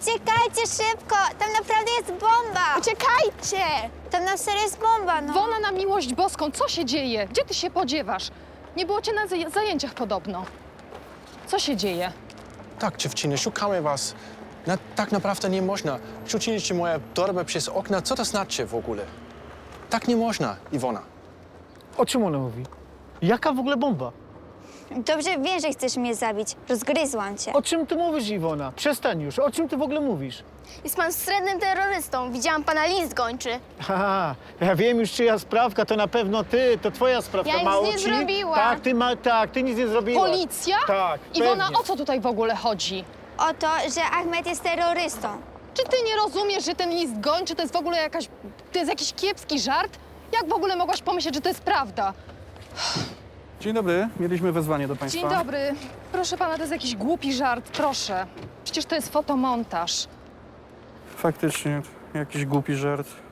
Uciekajcie szybko! Tam naprawdę jest bomba! Uciekajcie! Tam na serio jest bomba, no. Wona na miłość boską, co się dzieje? Gdzie ty się podziewasz? Nie było cię na zajęciach podobno. Co się dzieje? Tak, dziewczyny, szukamy was. Tak naprawdę nie można. Rzuciliście moją torbę przez okna. Co to znaczy w ogóle? Tak nie można, Iwona. O czym ona mówi? Jaka w ogóle bomba? Dobrze wiem, że chcesz mnie zabić. Rozgryzłam cię. O czym ty mówisz, Iwona? Przestań już. O czym ty w ogóle mówisz? Jest pan wstrętnym terrorystą. Widziałam pana list gończy. Haha, ja wiem już czyja sprawka, to na pewno ty, to twoja sprawka. Ja nic Mało nie ci? zrobiłam. Tak, ty nic nie zrobiłaś. Policja? Tak, Iwona, pewnie. o co tutaj w ogóle chodzi? O to, że Ahmed jest terrorystą. Czy ty nie rozumiesz, że ten list gończy to jest w ogóle to jest jakiś kiepski żart? Jak w ogóle mogłaś pomyśleć, że to jest prawda? Dzień dobry, mieliśmy wezwanie do państwa. Dzień dobry. Proszę pana, to jest jakiś głupi żart, proszę. Przecież to jest fotomontaż. Faktycznie, jakiś głupi żart.